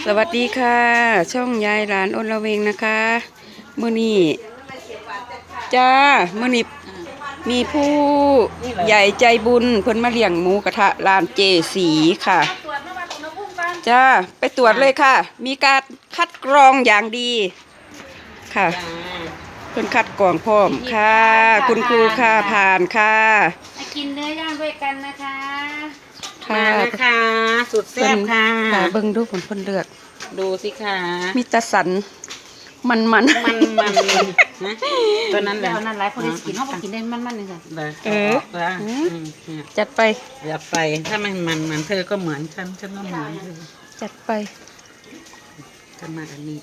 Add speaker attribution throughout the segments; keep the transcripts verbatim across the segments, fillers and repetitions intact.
Speaker 1: สวัสดีค่ะ ช่องยายหลานอนละเวงนะคะมื้อนี้จ้ามื้อนี้มีผู้ใหญ่ใจบุญเพิ่นมาเลี้ยงหมูกระทะร้านเจสีค่ะจ้าไปตรวจเลยค่ะ มีการคัดกรองอย่างดีค่ะเพิ่นคัดกรองพร้อมค่ะ คุณครูค่ะผ่านค่ะ
Speaker 2: มากินเนื้อย่างด้วยกันนะคะ
Speaker 1: มา
Speaker 2: นะคะสุดแซ่บค่ะ
Speaker 1: ค่ะเบิ่งดูผลเพิ่นเลือก
Speaker 2: ดูสิค่ะ
Speaker 1: มีตะสันมันมัน
Speaker 2: มันมันนะตัวนั้นแหละนั่นหลายคนได้กินเขาบอกกินได้มันมันเลยค่ะ
Speaker 1: เออจัดไป
Speaker 2: อย่าไปถ้ามันมันเหมือนเธอก็เหมือนฉันฉันก็เหมือนเธอ
Speaker 1: จัดไป
Speaker 2: จะมาอันนี้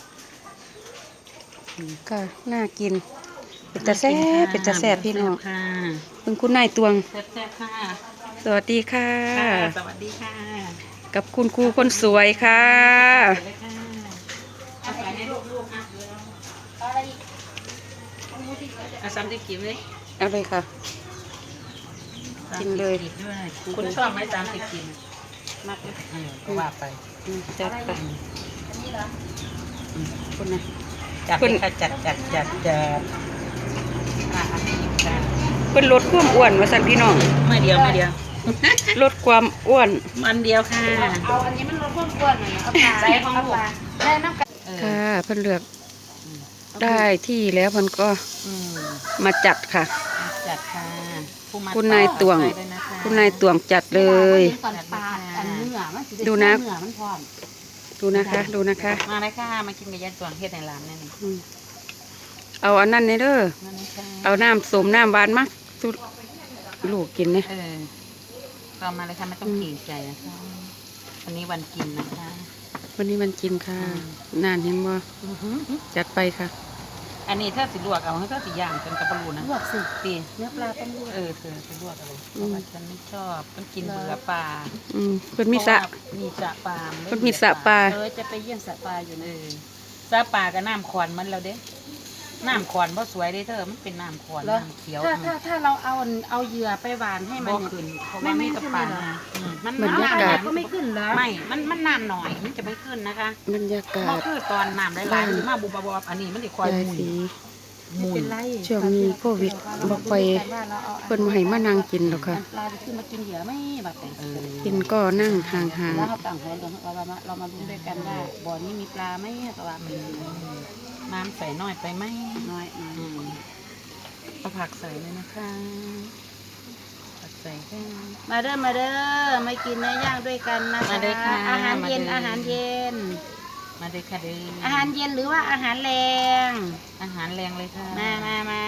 Speaker 1: ก็น่ากินเป็นตาแซ่บเป็นตาแซ่บพี่น้องคุณคุณนายตวง
Speaker 2: แซ่บค่ะ
Speaker 1: สวัสดีค่ะ
Speaker 2: สวัสดีค่ะ
Speaker 1: กับคุณครูคนสวยค่ะ
Speaker 2: เอาซ้ำที่กินเลย
Speaker 1: เอาเลยค่ะกินเลย
Speaker 2: คุณชอบไหมซ้ำที่กินมากเลยก็ว่าไป
Speaker 1: จัดไปคุณนะ
Speaker 2: จัดจัดจัดจัดจัด
Speaker 1: เป็นลดความอ้วนมาสั่นพี่น้อง
Speaker 2: ไม่เดียวไม่เดียว
Speaker 1: ลดความอ้วน
Speaker 2: มันเดียวค่ะเอาอันนี้มันลดความอ้วนหน่อยเอาปลาใส่ของลูกได้น้ำกัน
Speaker 1: ค่ะเพิ่นเลือกได้ที่แล้วเพิ่นก็มาจัดค่ะ
Speaker 2: จัดค่ะ
Speaker 1: คุณนายตวงคุณนายตวงจัดเลยดูนะดูนะคะดูนะคะ
Speaker 2: มาเลยค่ะมากินกับยายตวงเฮ็ดในร้านนี่
Speaker 1: เอาอันนั้นนี่เด้อเอาน้ำส้มน้ำหวานมาสุดลูกกินเนี่ย
Speaker 2: เรามาเลยค่ะไม่ต้องเกรงใจนะคะวันนี้วันกินนะคะ
Speaker 1: วันนี้วันกินค่ะนานเห็นบ่จัดไปค่ะ
Speaker 2: อันนี้ถ้าสิลวกเอาให้ถ้าสิย่างเป็นกระปูนะ
Speaker 1: ลวกสิ
Speaker 2: ปีเนื้อปลาต้องลวกเออเธอจะลวกอะไรเพราะว่าฉันไม่ชอบมันกินเบื่อปลา
Speaker 1: อืมเพิ่นมีสระ
Speaker 2: มีสระปลา
Speaker 1: เพิ่นมีสระปลา
Speaker 2: เออจะไปเยี่ยมสระปลาอยู่นะสระปลากับน้ำขวานมันแล้วเด้น้ำขวานเพราะสวยได้เธอมันเป็นน้ำขวานน้ำเขียว
Speaker 3: ถ้าถ้าถ้าเราเอาเอาเหยื่อไปหวานให้มัน
Speaker 2: ขึ้นไม่ไม่ขึ้นเลย
Speaker 3: มันบรรยากาศก็ไม่ขึ้นแล้ว
Speaker 2: ไม่มันมันน้ำหน่อยมันจะไม่ขึ้นนะคะ
Speaker 1: บรรยากาศ
Speaker 2: คือตอนน้ำไหลๆมาบุบบบอันนี้มันจะคอยมุน
Speaker 1: มุนช่วงนี้โควิดบอกไปเพิ่นมาให้มานั่งกินหรอกค่ะ
Speaker 3: ปลาขึ้นมากินเหยื่อไม่แบบ
Speaker 1: กินก็นั่งห่างๆ
Speaker 3: แล้วเราต่างคนเราเรามาเรามาดูด้วยกันว่าบ่อนี้มีปลาไหมตัวมัน
Speaker 2: น้ำใส่น้อยไปไหม
Speaker 3: น้อย
Speaker 2: เอาผักใส่เลยนะคะผักใส่แค่
Speaker 3: มาเด้อมาเด้อมากินเนื้อย่างด้วยกันนะคะอาหารเย็นอาหารเย็น
Speaker 2: มาเลยค่ะเด้อ
Speaker 3: อาหารเย็นหรือว่าอาหารแรง
Speaker 2: อาหารแรงเลยค่ะ
Speaker 3: มามามา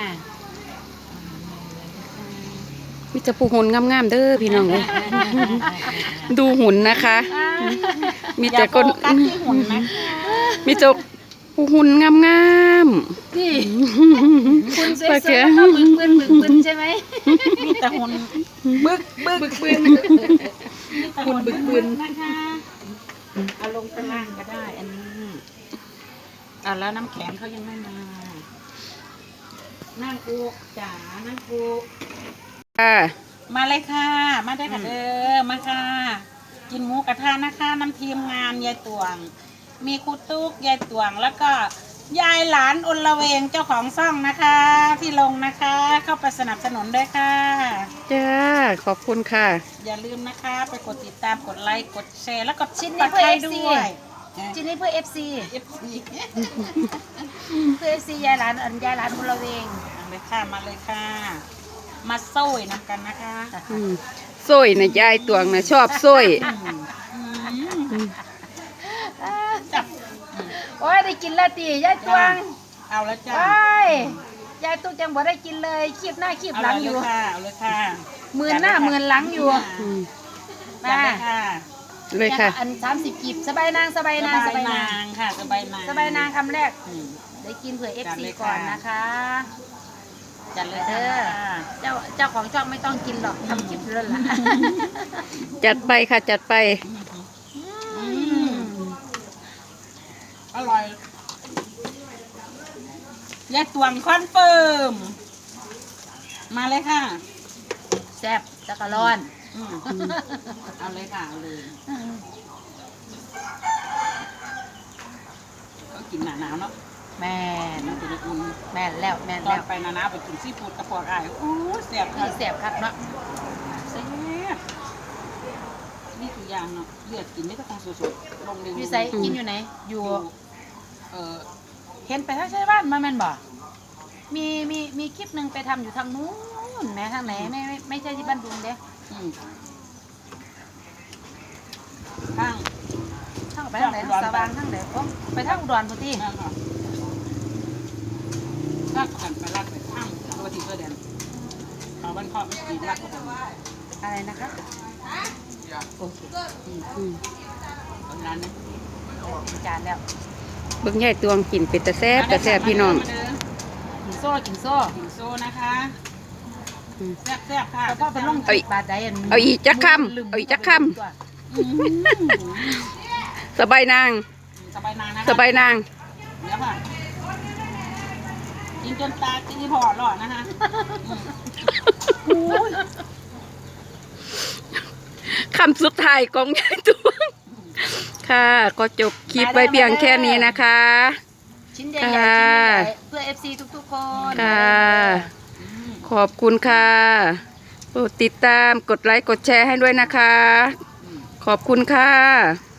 Speaker 1: มีแต่ผู้หุ่นงามๆเด้อพี่น้องเลยดูหุ่นนะคะมีแต่คนมีแต่ผู้หุ่นงาม
Speaker 3: ๆนี่คุณเซ่ๆเขาบึกบึนบึกบึนใช่ไหม
Speaker 2: มีแต่หุ่นบึกบึกบึนหุ่นบึกบึนนะคะเอาลงตารางก็ได้อันนี้อ่ะแล้วน้ำแข็งเขายังไม่มานั่งกูจ๋านั่งกู
Speaker 1: ค่ะ
Speaker 2: มาเลยค่ะมาได้ค่ะเออมาค่ะกินหมูกระทะนะคะน้ำทีมงานยายตวงมีครูตุ๊กยายตวงแล้วก็ยายหลานอนละเวงเจ้าของซ่องนะคะที่ลงนะคะเข้าไปสนับสนุนด้วยค่ะ
Speaker 1: จ้าขอบคุณค่ะ
Speaker 2: อย่าลืมนะคะไปกดติดตามกดไลค์กดแชร์แล้วก็
Speaker 3: ชิ้นนี้เพื่อเอฟซีชิ้นนี้เพื่อเอฟซีเพื่อเอฟซียายหลานอันยายหลานอนละเวง
Speaker 2: มาเลยค่ะมาเลยค่ะมาโซ่นำกันนะคะ
Speaker 1: โซ่นะยายตวงนะชอบโซ่
Speaker 3: จับโอ้ยได้กินแล้วตียายตวง
Speaker 2: เอาแล้วจ้า
Speaker 3: โอ้ยยายตุ๊กยังบ่ได้กินเลยคีบหน้าคีบหลังอยู่
Speaker 2: เอาเลยค่ะ
Speaker 3: หมื่นหน้าหมื่นหลังอยู่
Speaker 2: มา
Speaker 1: เลยค่ะ
Speaker 3: อันสามสิบกีบสบายนางสบายนาง
Speaker 2: สบายนางค่ะสบายนาง
Speaker 3: สบายนางคำแรกได้กินเผื่อเอฟซีก่อนนะคะ
Speaker 2: จัดเลยเด้อ
Speaker 3: เจ้าเจ้าของช่องไม่ต้องกินหรอกทำคลิปเรื่อยละ
Speaker 1: จัดไปค่ะจัดไป
Speaker 2: อร่อยยายตวงคอนเฟิร์มมาเลยค่ะ
Speaker 3: แซ่บจักรร้อน
Speaker 2: เอาเลยค่ะเอาเลยกินหนาหนาวเนาะ
Speaker 3: แม่น
Speaker 2: มันจะได้อุ่น
Speaker 3: แม่นแล้วแม่น
Speaker 2: ตอ
Speaker 3: แล้
Speaker 2: น
Speaker 3: ว
Speaker 2: ไปหนาหนาวไปกินซีฟู้ดกระเพาะไอ้โอ้แซ่บ
Speaker 3: นี่แสบคักเนาะ
Speaker 2: แซ่บนี่คืออย่างเนาะเลือดกินไม่ต้องสดๆลงเร็ว
Speaker 3: อยู่ไสกินอยู่ไหนอยู่
Speaker 2: เออ
Speaker 3: เห็นไปทางใช่บ้านมาแม่นบ่มีมีมีคลิปหนึ่งไปทำอยู่ทางนู้นแหม่ทางไหนไม่ไม่ไม่ใช่ที่บ้านดุงเด้
Speaker 2: อืมข้าง
Speaker 3: ทางไปทางไหนสว่างทางไหนโอ้ไปทางอุดรพุ่นติ
Speaker 2: นั่นค่ะลากกันไปลากไปข้างตัวที่เสื้อแดงเอาบ้านพ่อไม่กินลากกัน
Speaker 3: อะไรนะคะโอเค
Speaker 1: อืม
Speaker 2: ตอนนั้นนะ
Speaker 3: กินจานแล้ว
Speaker 1: เบิ่งยายตวงกินเป็ดตะแซ่บตะแซ่บพี่น้อง
Speaker 3: กินโซ่กินโซ่
Speaker 2: กินโซ่นะคะ
Speaker 1: อืม
Speaker 2: แซ่บแซ่บๆค่ะ
Speaker 3: แต่พ่อเป็นลง
Speaker 1: เอาอีก
Speaker 3: บาดใดอัน
Speaker 1: เอาอีกจักคำเอาอีกจักค
Speaker 2: อืม
Speaker 1: สบายนาง
Speaker 2: สบายนางนะคะ
Speaker 1: สบายนาง
Speaker 2: เดี๋ยวค่ะกินจนตาจีพอหลอดนะคะอืม
Speaker 1: คำสุดท้ายของยายตวง ค่ะ ก็จบคลิปไว้เพียงแค่นี้นะคะ
Speaker 3: ชิ้นใหญ่ๆชิ้นใหญ่ๆเพื่อ เอฟ ซี ทุกๆคน
Speaker 1: ค่ะ ขอบคุณค่ะโปรดติดตามกดไลค์กดแชร์ให้ด้วยนะคะ ขอบคุณค่ะ